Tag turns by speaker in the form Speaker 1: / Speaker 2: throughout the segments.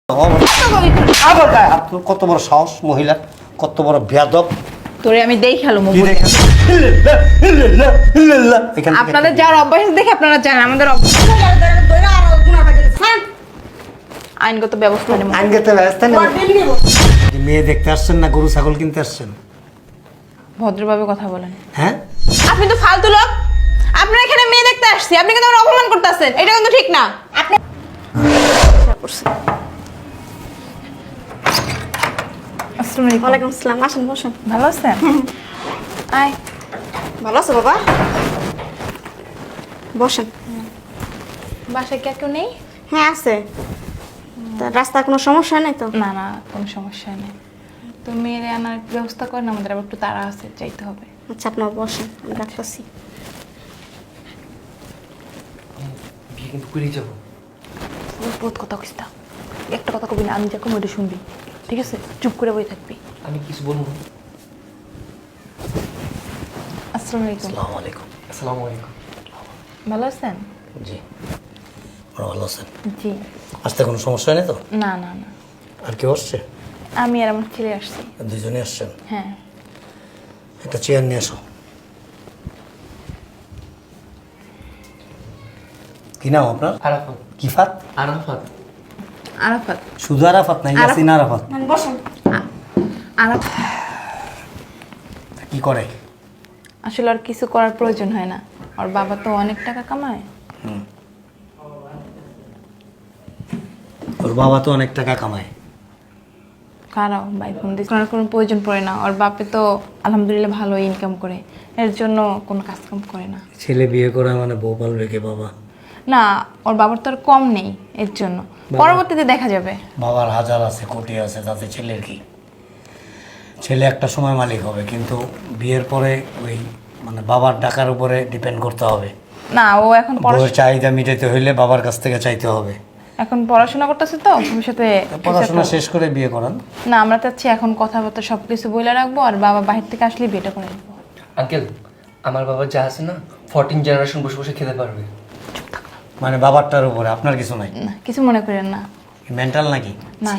Speaker 1: কত বড় সাহস মহিলা, কত বড় বেয়াদব।
Speaker 2: তোরে আমি দেই খেলো আপনাদের যার অভ্যাস দেখে আপনারা জানেন আমাদের আইনগত ব্যবস্থা নেব।
Speaker 1: আইনগত ব্যবস্থা নেব। মেয়ে দেখতে আসছেন না গরু ছাগল কিনতে আসছেন?
Speaker 2: ভদ্রভাবে কথা বলেন।
Speaker 1: হ্যাঁ,
Speaker 2: আপনি তো ফালতু লোক। আপনার এখানে মেয়ে দেখতে আসছি, আপনি কিন্তু আমার অপমান করতেছেন, এটা কিন্তু ঠিক না। আপনি
Speaker 3: ওয়ালাইকুম আসসালাম। আসেন বসেন।
Speaker 2: ভালো আছেন? আয়।
Speaker 3: ভালো আছো বাবা? বসেন।
Speaker 2: বাসায় কে কেউ নেই?
Speaker 3: হ্যাঁ আছে। তা রাস্তায় কোনো সমস্যা নেই তো?
Speaker 2: না না, কোনো সমস্যা নেই। তো মেয়ের আনার ব্যবস্থা করেন, আমাদের আবার একটু তাড়া আছে, যাইতে হবে।
Speaker 3: আচ্ছা আপনার বসেন, আমি ডাকতেছি।
Speaker 4: বিয়ে কিন্তু করেই যাবো।
Speaker 2: বহুত কথা কইস না, একটা কথা কবি না, আমি যা কম ওটা শুনবি, ঠিক আছে? চুপ করে বই থাকবি।
Speaker 4: আমি কিছু বলবো না।
Speaker 2: আসসালামু আলাইকুম।
Speaker 1: আসসালামু আলাইকুম।
Speaker 4: আসসালামু আলাইকুম।
Speaker 2: ভালো আছেন?
Speaker 1: জি, ওরা ভালো আছেন?
Speaker 2: জি।
Speaker 1: আসতে কোনো সমস্যা নেই তো?
Speaker 2: না না না,
Speaker 1: আর কেউ আসছে?
Speaker 2: আমি আর আমার ছেলে আসছি।
Speaker 1: দুজনে আসছেন?
Speaker 2: হ্যাঁ।
Speaker 1: একটা চেয়ার নিয়ে আসো। কি নাম আপনার?
Speaker 4: আরাফাত।
Speaker 1: কিফাত?
Speaker 4: আরাফাত।
Speaker 2: আরাফাত।
Speaker 1: শুধু আরাফাত না, ইয়াসিন আরাফাত?
Speaker 3: বসেন।
Speaker 2: আরাফাত
Speaker 1: কি করে?
Speaker 2: আসলে আর কিছু করার প্রয়োজন হয় না, ওর বাবা তো অনেক টাকা কামায়।
Speaker 1: ওর বাবা তো অনেক টাকা কামায়।
Speaker 2: কারাও ভাই ফোন দিস, করার কোনো প্রয়োজন পড়ে না। ওর বাপে তো আলহামদুলিল্লাহ ভালো ইনকাম করে, এর জন্য কোনো কাজ কাম করে না।
Speaker 1: ছেলে বিয়ে করে মানে বউ পালবে কে বাবা?
Speaker 2: না, ওর বাবার তো আর কম নেই, এর জন্য পরবর্তীতে দেখা যাবে।
Speaker 1: বাবার হাজার আছে, কোটি আছে, তাতে ছেলের কি? ছেলে একটা সময় মালিক হবে, কিন্তু বিয়ের পরে ওই মানে বাবার টাকার উপরে ডিপেন্ড করতে হবে।
Speaker 2: না, ও এখন
Speaker 1: বউয়ের চাহিদা মিটাতে হইলে বাবার কাছ থেকে চাইতে হবে।
Speaker 2: এখন পড়াশোনা করতেছে তো, ভবিষ্যতে
Speaker 1: পড়াশোনা শেষ করে বিয়ে করান।
Speaker 2: না, আমরা চাচ্ছি এখন কথাবার্তা সবকিছু বলে রাখবো, আর বাবা বাহির থেকে আসলে বিয়েটা করে দেবো।
Speaker 4: আঙ্কেল, আমার বাবা যা আছে না 14 জেনারেশন বসে বসে খেতে পারবে।
Speaker 1: মানে বাবারটার উপরে আপনার কিছু নাই?
Speaker 2: না, কিছু মনে করেন না।
Speaker 1: মেন্টাল নাকি?
Speaker 2: না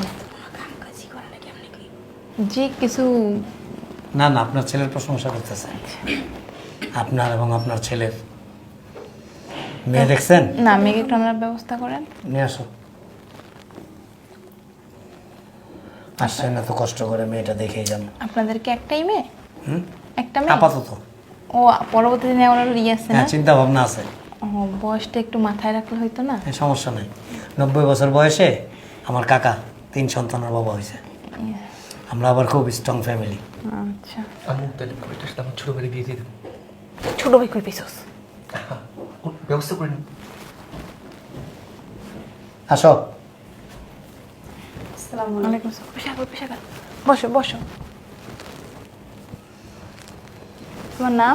Speaker 2: জি, কিছু
Speaker 1: না না, আপনার ছেলের প্রশংসা করতেছে, আপনার এবং আপনার ছেলের। মেয়ে দেখছেন?
Speaker 2: না, মেয়েকে একটু আনার ব্যবস্থা করেন।
Speaker 1: নিয়ে আসো। আসছেন না তো কষ্ট করে, মেয়েটা দেখেই যান।
Speaker 2: আপনাদেরকে একটাই মেয়ে? একটা মেয়ে
Speaker 1: আপাতত।
Speaker 2: ও পরবর্তীতে নেওয়ার ইয়ে আছে না?
Speaker 1: হ্যাঁ, চিন্তা ভাবনা আছে।
Speaker 2: ও, বয়সটা একটু মাথায় রাখলে হইতো না?
Speaker 1: সমস্যা নেই। 90 বছর বয়সে আমার কাকা 3 সন্তানের বাবা হয়েছে। আমরা আবার খুব স্ট্রং ফ্যামিলি।
Speaker 2: আচ্ছা,
Speaker 4: আমি তাহলে ওইটার সাথে আমার ছোট ভাই বিয়ে দিয়ে দেবো।
Speaker 2: ছোট ভাই কই পেছস?
Speaker 4: ব্যবস্থা করে নিন।
Speaker 1: আসো।
Speaker 2: ওয়ালাইকুম আসসালাম। পেশা কর। বসো বসো। তোমার নাম?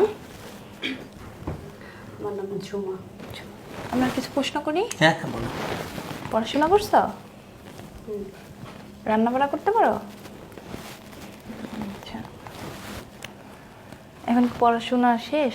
Speaker 3: আমার নাম ঝুমা।
Speaker 2: আমরা কিছু প্রশ্ন করি।
Speaker 1: হ্যাঁ হ্যাঁ, বলো।
Speaker 2: পড়াশোনা করছো? রান্না বান্না করতে পারো? আচ্ছা, এখন কি পড়াশোনা শেষ?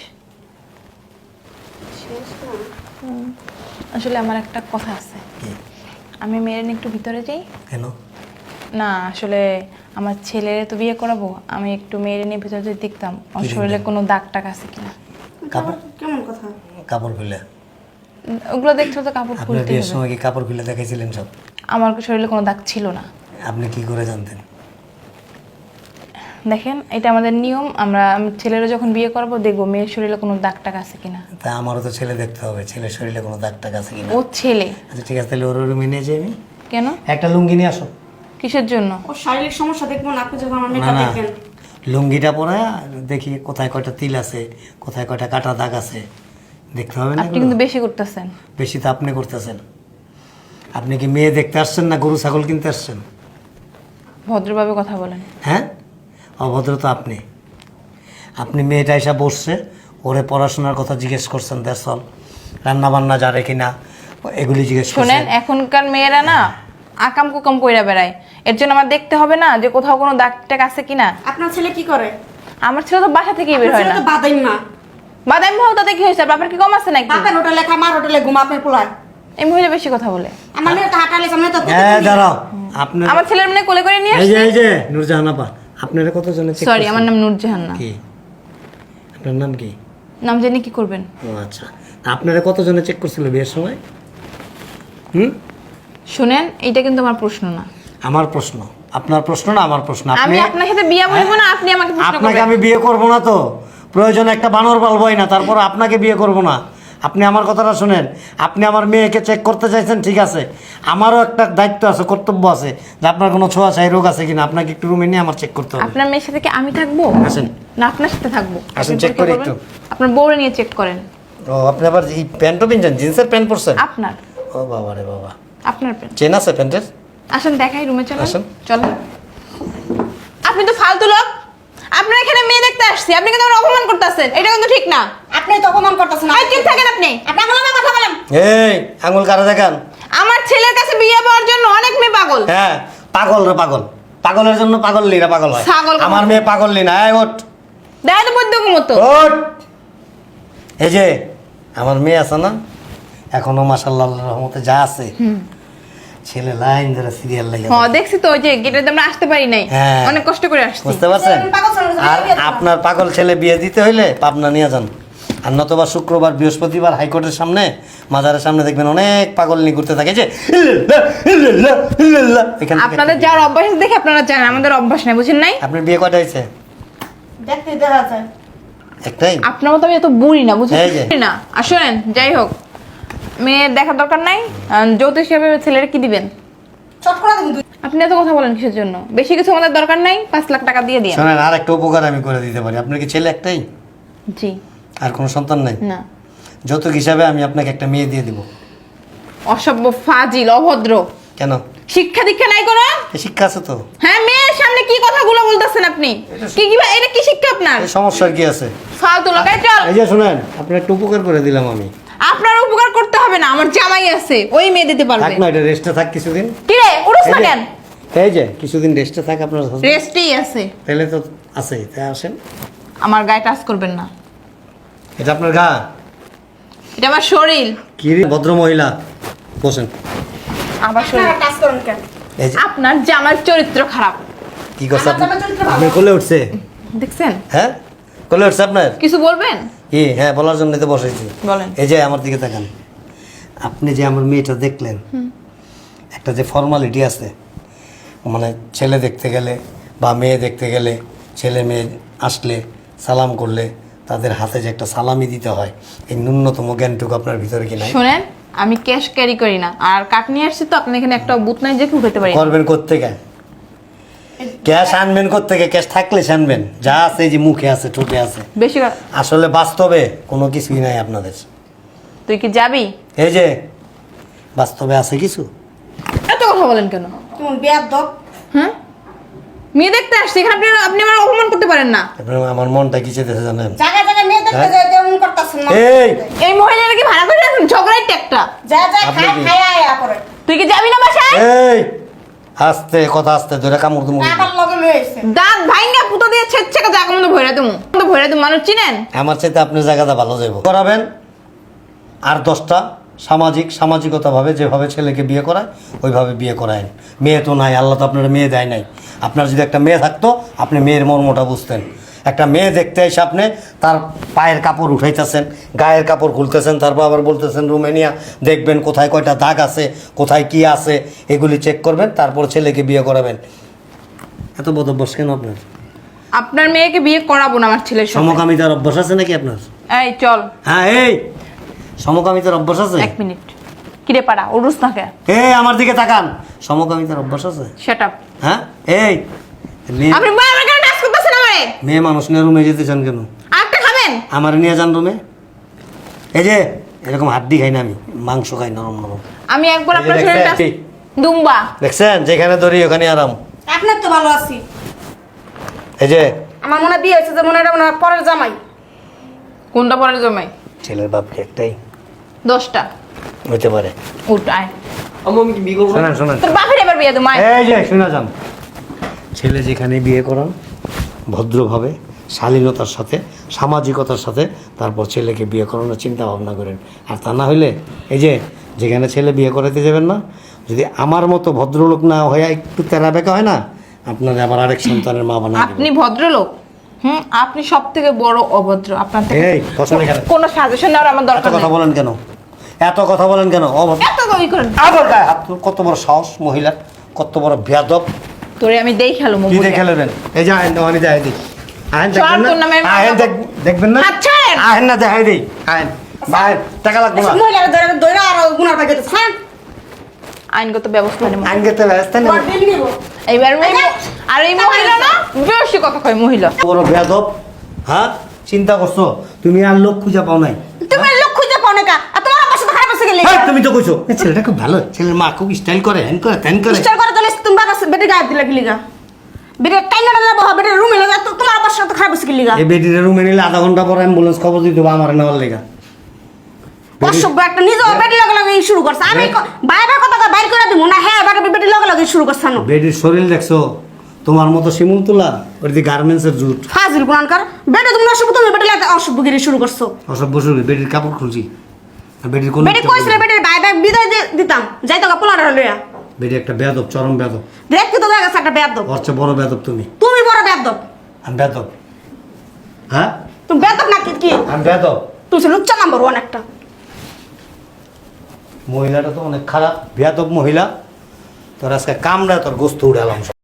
Speaker 3: শেষ না।
Speaker 2: আসলে আমার একটা কথা আছে,
Speaker 1: কি?
Speaker 2: আমি মেয়ের নিয়ে একটু ভিতরে যাই।
Speaker 1: কেন?
Speaker 2: না, আসলে আমার ছেলের তো বিয়ে করাবো, আমি একটু মেয়ের নিয়ে ভিতরে যদি দেখতাম ওর শরীরে কোনো দাগ টাক আছে কিনা।
Speaker 1: কাপড়?
Speaker 3: কেমন কথা?
Speaker 1: কাপড় খুলে?
Speaker 2: ওগুলো দেখছো তো, কাপড়
Speaker 1: আপনার
Speaker 2: খুলতে
Speaker 1: বিয়ের
Speaker 2: হবে।
Speaker 1: সময় কি কাপড় খুলে দেখাইছিলেন সব?
Speaker 2: আমার শরীরে কোনো দাগ ছিল না।
Speaker 1: আপনি কি করে জানতেন?
Speaker 2: দেখেন, এটা আমাদের নিয়ম, আমরা ছেলেরা যখন বিয়ে করবো দেখবো মেয়ের শরীরে কোনো দাগ টাক আছে কিনা।
Speaker 1: তা আমারও তো ছেলে দেখতে হবে, ছেলের শরীরে কোনো দাগ টাগ আছে কিনা।
Speaker 2: ও ছেলে।
Speaker 1: আচ্ছা ঠিক আছে, তাহলে ওর রুমে নিয়ে যাই আমি।
Speaker 2: কেন?
Speaker 1: একটা লুঙ্গি নিয়ে আসো।
Speaker 2: কিসের জন্য?
Speaker 3: ওর শারীরিক সমস্যা দেখবো না, আপনি যখন আমার
Speaker 1: না
Speaker 3: মেয়েটা
Speaker 1: না,
Speaker 3: দেখবেন।
Speaker 1: লুঙ্গিটা পরে দেখি কোথায় কয়টা তিল আছে, কোথায় কয়টা কাটা দাগ আছে, দেখতে হবে না?
Speaker 2: আপনি কিন্তু বেশি করতেছেন।
Speaker 1: বেশি তো আপনি করতেছেন। আপনি কি মেয়ে দেখতে আসছেন না গরু ছাগল কিনতে আসছেন?
Speaker 2: ভদ্রভাবে কথা বলেন।
Speaker 1: হ্যাঁ, অভদ্র তো আপনি। আপনি মেয়েটা এসে বসছে, ওরে পড়াশোনার কথা জিজ্ঞেস করছেন, দ্যাটস অল। রান্না বান্না জানে কিনা এগুলি জিজ্ঞেস
Speaker 2: শোনেন,
Speaker 1: করছেন।
Speaker 2: এখনকার মেয়েরা না আকাম কুকাম কইরা বেড়ায়, এর জন্য আমার দেখতে হবে না যে কোথাও কোনো দাগ টাক আছে কিনা।
Speaker 3: আপনার ছেলে কি করে?
Speaker 2: আমার ছেলে তো বাসা থেকেই বের হয়
Speaker 3: আপনার
Speaker 2: না।
Speaker 3: ছেলে তো বাদাইন না।
Speaker 2: বাদামি ভাও তাতে কি হয়েছে? বাপের কি কম আছে নাকি?
Speaker 3: বাপের হোটেলে খায়, মার হোটেলে ঘুমা, আপনার পোলায়।
Speaker 2: এই মহিলা বেশি কথা বলে।
Speaker 3: আমার মেয়ে তো হাঁটালে সামনে তো।
Speaker 1: হ্যাঁ দাঁড়াও, আপনার
Speaker 2: আমার ছেলের মানে কোলে করে নিয়ে
Speaker 1: এই যে
Speaker 2: আসছে।
Speaker 1: এই যে নূরজাহান আপা আপনারা কতজনে চেক
Speaker 2: সরি, আমার নাম নূরজাহান না।
Speaker 1: কি আপনার নাম কি?
Speaker 2: নাম জেনে কি করবেন?
Speaker 1: ও আচ্ছা, তা আপনারা কতজনে চেক করছিল বিয়ের সময়?
Speaker 2: শুনেন, এইটা কিন্তু আমার প্রশ্ন না।
Speaker 1: আমার প্রশ্ন, আপনার প্রশ্ন না আমার প্রশ্ন।
Speaker 2: আমি
Speaker 1: আপনি
Speaker 2: আপনার সাথে বিয়ে বলবো না, আপনি আমাকে প্রশ্ন
Speaker 1: আপনাকে
Speaker 2: করবেন।
Speaker 1: আমি বিয়ে করব না, তো প্রয়োজনে একটা বানর পালবই না, তারপর আপনাকে বিয়ে করব না। আপনি আমার কথাটা শুনেন, আপনি আমার মেয়েকে চেক করতে চাইছেন, ঠিক আছে, আমারও একটা দায়িত্ব আছে, কর্তব্য আছে, যে আপনার কোনো ছোঁয়াছাই রোগ আছে কিনা আপনাকে একটু রুমে নিয়ে আমার চেক করতে হবে।
Speaker 2: আপনার মেয়ের সাথে কি আমি থাকবো?
Speaker 1: আসেন।
Speaker 2: না আপনার সাথে থাকবো?
Speaker 1: আসেন,
Speaker 2: আপনি
Speaker 1: check
Speaker 2: পরীক্ষা
Speaker 1: করি
Speaker 2: করবেন?
Speaker 1: একটু।
Speaker 2: আপনার বউরে নিয়ে চেক করেন।
Speaker 1: ও আপনি আবার এই প্যান্টও পিনছেন, জিন্সের প্যান্ট পরছেন?
Speaker 2: আপনার
Speaker 1: ও বাবা রে বাবা,
Speaker 2: আপনার প্যান্ট।
Speaker 1: চেন আছে প্যান্টের?
Speaker 2: আসেন দেখাই, রুমে চলেন।
Speaker 1: আসেন।
Speaker 2: চলেন। আপনি তো ফালতু লোক। আপনার এখানে মেয়ে দেখতে আসছি, আপনি কিন্তু আমার অপমান করতেছেন, এটা কিন্তু ঠিক না।
Speaker 3: আপনি তো অপমান করতেছেন।
Speaker 2: এই চুপ থাকেন আপনি।
Speaker 3: আপনি আমার নামে কথা বলেন।
Speaker 1: এই আঙুল কারা দেখান?
Speaker 2: আমার ছেলের কাছে বিয়ে পাওয়ার জন্য অনেক মেয়ে পাগল।
Speaker 1: হ্যাঁ পাগল রে পাগল, পাগলের জন্য পাগল লিরা পাগল হয়।
Speaker 2: ছাগল কথা।
Speaker 1: আমার মেয়ে পাগল লি না। এই ওঠ
Speaker 2: দেয় তো বৈদ্য মতো।
Speaker 1: ওঠ। এই যে আমার মেয়ে আছে না, এখনো মাশাআল্লাহ আল্লাহর রহমতে যা আছে, ছেলে লাইন ধরে সিরিয়াল লাগে।
Speaker 2: হ্যাঁ দেখছি তো, ওই যে গেটের আমরা আসতে পারি নাই,
Speaker 1: হ্যাঁ।
Speaker 2: অনেক কষ্ট করে আসছি।
Speaker 1: বুঝতে পারছেন?
Speaker 3: পাগল ছেলের জন্য
Speaker 1: আর
Speaker 3: বিয়ে দিতে
Speaker 1: আপনার পাগল ছেলে বিয়ে দিতে হইলে পাবনা নিয়ে যান, আর নতবা শুক্রবার বৃহস্পতিবার হাইকোর্টের সামনে মাজারের সামনে দেখবেন অনেক পাগল নিয়ে ঘুরতে থাকে, যে ইল্লাল্লাহ, ইল্লাল্লাহ, ইল্লাল্লাহ। এখান থেকে
Speaker 2: আপনাদের যাওয়ার অভ্যাস আছে দেখে আপনারা জানেন, আমাদের অভ্যাস নাই, বুঝেন নাই?
Speaker 1: আপনার বিয়ে কয়টা হয়েছে?
Speaker 3: দেখতে দেখা যায়।
Speaker 1: একটাই?
Speaker 2: আপনার মতো আমি এত বুড়ি না, বুঝেন
Speaker 1: এই যে।
Speaker 2: না। আর শোনেন, যাই হোক, মেয়ের দেখার দরকার নাই। যৌতুক হিসাবে ছেলের কি দিবেন?
Speaker 3: চট করে দিন দুই।
Speaker 2: আপনি এত কথা বলেন কিসের জন্য? বেশি কিছু আমাদের দরকার নাই, 5 লাখ টাকা দিয়ে দিন।
Speaker 1: শোনেন, আর একটা উপকার আমি করে দিতে পারি। আপনার কি ছেলে একটাই?
Speaker 2: জি।
Speaker 1: আর কোনো সন্তান নাই?
Speaker 2: না।
Speaker 1: যৌতুক হিসাবে আমি আপনাকে একটা মেয়ে দিয়ে দিব।
Speaker 2: অসভ্য, ফাজিল, অভদ্র।
Speaker 1: কেন?
Speaker 2: শিক্ষা দীক্ষা নাই কোনো?
Speaker 1: এ শিক্ষা আছে তো।
Speaker 2: হ্যাঁ, মেয়ের সামনে কি কথাগুলো বলতেছেন আপনি? কি কি এটা কি শিক্ষা আপনার?
Speaker 1: এই সমস্যার কি আছে?
Speaker 2: ফালতু লোক। এই চল।
Speaker 1: এই যে শুনেন, আপনার একটা উপকার করে দিলাম আমি।
Speaker 2: আপনার উপকার করতে হবে না, আমার জামাই আছে, ওই মেয়ে দিতে
Speaker 1: থাক
Speaker 2: পারবে।
Speaker 1: না, এটা রেস্টে থাক কিছুদিন।
Speaker 2: কি রে, উড়ছ
Speaker 1: এই
Speaker 2: না
Speaker 1: যে-
Speaker 2: কেন?
Speaker 1: এই যে কিছুদিন রেস্টে থাক আপনার husband।
Speaker 2: রেস্টেই আছে।
Speaker 1: তাহলে তো আছে, তাই আসেন।
Speaker 2: আমার গায়ে টাচ করবেন না,
Speaker 1: এটা আপনার গা?
Speaker 2: এটা আমার শরীর।
Speaker 1: কি রে ভদ্র মহিলা, বসেন।
Speaker 2: আমার শরীর।
Speaker 3: আপনারা কাজ করেন কেন?
Speaker 1: এই যে
Speaker 2: আপনার জামার চরিত্র খারাপ,
Speaker 1: কি করছে
Speaker 3: আমার জামার চরিত্র ভালো।
Speaker 1: আপনার কোলে উঠছে?
Speaker 2: দেখছেন?
Speaker 1: হ্যাঁ কোলে উঠছে আপনার?
Speaker 2: কিছু বলবেন?
Speaker 1: কি? হ্যাঁ বলার জন্য তো বসেছি।
Speaker 2: বলেন।
Speaker 1: এই যে আমার দিকে তাকান, আপনি যে আমার মেয়েটা দেখলেন, একটা যে ফর্মালিটি আছে, মানে ছেলে দেখতে গেলে বা মেয়ে দেখতে গেলে, ছেলে মেয়ে আসলে সালাম করলে তাদের হাতে যে একটা সালামি দিতে হয়, এই ন্যূনতম জ্ঞানটুকু আপনার ভিতরে কি নাই?
Speaker 2: শোনেন, আমি ক্যাশ ক্যারি করি না, আর কাট নিয়ে আসছি তো, আপনি এখানে একটা বুথ নাই যে উঠাতে পারি না।
Speaker 1: করবেন কোত্থেকে? ক্যাশ আনবেন কোত্থেকে? ক্যাশ থাকলে আনবেন, যা আছে এই যে মুখে আছে, ঠোঁটে আছে,
Speaker 2: বেশি
Speaker 1: আসলে বাস্তবে কোনো কিছুই নাই আপনাদের।
Speaker 2: তুই কি যাবি?
Speaker 1: এই যে বাস্তবে আছে কিছু?
Speaker 2: এত কথা বলেন কেন?
Speaker 3: তুমি বিয়ার দক।
Speaker 2: হ্যাঁ, মেয়ে দেখতে আসছি এখানে, আপনি আমার অপমান করতে পারেন না।
Speaker 1: আপনার আমার মনটা কি চেতেছে জানেন?
Speaker 3: জায়গা জায়গা মেয়ে দেখতে
Speaker 1: হ্যাঁ?
Speaker 3: যায় তেমন করতেছেন না।
Speaker 1: এই
Speaker 2: এই মহিলারা কি ভাড়া করে রাখেন? ঝগড়াই একটা।
Speaker 3: যা যা
Speaker 1: আপনি
Speaker 3: খায়
Speaker 1: কি?
Speaker 3: খায় আয়া করে।
Speaker 2: তুই কি যাবি না বাসায়?
Speaker 1: এই আস্তে কথা, আস্তে ধরে কামড় তুমি।
Speaker 3: কাকার লগে লয়ে আইছে।
Speaker 2: দাঁত ভাইঙ্গা পুতো দিয়ে ছেচ্ছে জায়গা মতো ভরে তুমি মানুষ চিনেন?
Speaker 1: আমার চাইতে আপনার জায়গাটা ভালো যাইব করাবেন। আর 10টা সামাজিকতাভাবে যেভাবে ছেলেকে বিয়ে করায় ওইভাবে বিয়ে করায়েন। মেয়ে তো নাই, আল্লাহ তো আপনার মেয়ে দেয় নাই। আপনার যদি একটা মেয়ে থাকতো আপনি মেয়ের মর্মটা বুঝতেন। একটা মেয়ে দেখতে এসে আপনি তার পায়ের কাপড় উঠাইতেছেন, গায়ের কাপড় খুলতেছেন, তারপর আবার বলতেছেন রুমে নিয়ে দেখবেন কোথায় কয়টা দাগ আছে, কোথায় কি আছে, এগুলি চেক করবেন, তারপর ছেলেকে বিয়ে করাবেন। এত বদ অভ্যাস কেন আপনার?
Speaker 2: আপনার মেয়েকে বিয়ে করাবো না আমার ছেলের সঙ্গে।
Speaker 1: সমকামিতার অভ্যাস আছে নাকি আপনার?
Speaker 2: এই চল।
Speaker 1: হ্যাঁ এই সমকামিতার অভ্যাস আছে?
Speaker 2: 1 মিনিট। কিরে পাড়া, উড়ুস না কে?
Speaker 1: এই আমার দিকে তাকান, সমকামিতার অভ্যাস আছে?
Speaker 2: Shut up.
Speaker 1: হ্যাঁ এই মেয়ে,
Speaker 2: আপনি বারবার কেন টাচ করতেছেন আমারে?
Speaker 1: মেয়ে মানুষ নিয়ে রুমে যেতে চান কেন?
Speaker 2: আরেকটা খাবেন?
Speaker 1: আমার নিয়ে যান রুমে। এই যে এরকম হাড্ডি খাই না আমি, মাংস খাই নরম নরম।
Speaker 2: আমি একবার
Speaker 1: এই যে
Speaker 2: আপনার শরীরে টাচ
Speaker 1: দেখছেন?
Speaker 2: দুম্বা।
Speaker 1: দেখছেন যেখানে ধরি ওখানে আরাম।
Speaker 3: আপনার তো ভালো আছি।
Speaker 1: এই যে
Speaker 3: আমার মনে হয় বিয়ে হয়েছে যে মনে হয় এটা মনে হয় পরের জামাই।
Speaker 2: কোনটা পরে জমাই?
Speaker 1: ছেলের বাপ কি একটাই?
Speaker 2: 10টা।
Speaker 1: হইতে পারে।
Speaker 2: উঠ আয়।
Speaker 4: আমি কি বিয়ে করবো?
Speaker 1: শোনেন শোনেন,
Speaker 2: তোর বাপের এবার বিয়ে দেবো আয়।
Speaker 1: এই যে শোনা যান, ছেলে যেখানে বিয়ে করান ভদ্রভাবে, শালীনতার সাথে, সামাজিকতার সাথে তারপর ছেলেকে বিয়ে করানোর চিন্তা ভাবনা করেন। আর তা না হইলে এই যে যেখানে ছেলে বিয়ে করাতে যাবেন না, যদি আমার মতো ভদ্রলোক না হয়ে একটু তেরা বেকা হয় না, আপনার আবার আরেক সন্তানের মা বানায়
Speaker 2: আপনি ভদ্রলোক, আপনি সব থেকে বড় অভদ্র। আপনার থেকে
Speaker 1: এই কথা বলে কেন?
Speaker 2: কোনো সাজেশন নেওয়ার আমার
Speaker 1: এত
Speaker 2: দরকার
Speaker 1: কথা
Speaker 2: নেই।
Speaker 1: বলেন কেন? এত কথা বলেন কেন? অভদ্র
Speaker 2: এত কই করেন?
Speaker 1: আবার গায়ে হাত তুল। কত বড় সাহস মহিলা, কত বড় বেয়াদব।
Speaker 2: তোরে আমি দেই খেলো
Speaker 1: কি
Speaker 2: মোবাইল।
Speaker 1: দেখে নেবেন? এই যে আহেন দেওয়ানি দেখাই দিই। আহেন
Speaker 2: চল,
Speaker 1: দেখবেন
Speaker 2: তোর নামে
Speaker 1: না?
Speaker 2: আমি
Speaker 1: আহেন
Speaker 2: মামলা
Speaker 1: দেখবেন না?
Speaker 2: আচ্ছা।
Speaker 1: আহেন না দেখাই দিই। আহেন বাহেন টাকা লাগবে না।
Speaker 3: মহিলারা ধরে ধরে আর গুনার পাই যেতে হ্যাঁ
Speaker 2: আইনগত ব্যবস্থা নেব।
Speaker 1: আইন গেতে ব্যস্ত নেই।
Speaker 3: তোর বিল নিব
Speaker 2: এইবার আর এই মহিলা না বেশি কথা কয় মহিলা।
Speaker 1: বড় বেয়াদব। হ্যাঁ, চিন্তা করছো তুমি আর লোক খুঁজে পাও নাই?
Speaker 3: তুমি লোক খুঁজে পাও না কা আর তোমার আমার সাথে খারাপ আছে গেলে
Speaker 1: হ্যাঁ, তুমি তো কইছো এই ছেলেটা খুব ভালো, ছেলের মা খুব স্টাইল করে, হ্যান করে ত্যান করে।
Speaker 3: স্টার করে তাহলে তুমি বাবা বেটে গায়ে দিলা কি লিগা বেটে কাইনাটা না বাবা বেটে রুমে লাগা তো তোমার আমার সাথে খারাপ আছে কি লিগা
Speaker 1: এই বেটির রুমে নিলে আধা ঘন্টা পর অ্যাম্বুলেন্স খবর দিতে হবে আমার নেওয়ার লেগা।
Speaker 3: অসভ্য একটা নিজে বেটে লাগা লাগা শুরু করছে আমি বাইরে কথা বাইর করে দিব না হ্যাঁ বেটে লাগা লাগা শুরু করছ না
Speaker 1: বেটির শরীর দেখছো? তোমার মতো শিমুল তোলা, ওর দি গার্মেন্টসের জুট।
Speaker 3: ফাজিল কোরআনকার বেটে তুমি অসভ্য তুমি বেটে লাগা অসভ্যগিরি শুরু করছো
Speaker 1: অসভ্য শুরু, বেটির কাপড় খুলছি। আর বেটির কোন
Speaker 3: বেটে কইছিল বেটে বাই বাই বিদায় দিতাম যাইতো গা পোলার লইয়া
Speaker 1: বেটি একটা বেয়াদব, চরম বেয়াদব।
Speaker 3: দেখতে তো দেখা একটা বেয়াদব
Speaker 1: ওর চেয়ে বড় বেয়াদব তুমি।
Speaker 3: তুমি বড় বেয়াদব
Speaker 1: আমি বেয়াদব? হ্যাঁ,
Speaker 3: তুমি বেয়াদব না কি
Speaker 1: আমি বেয়াদব।
Speaker 3: তুমি লুচ্চা নাম্বার 1 একটা
Speaker 1: মহিলাটা তো অনেক খারাপ, বেয়াদব মহিলা। তোর আজকে কামড়া তোর গোস্ত উড়ালাম।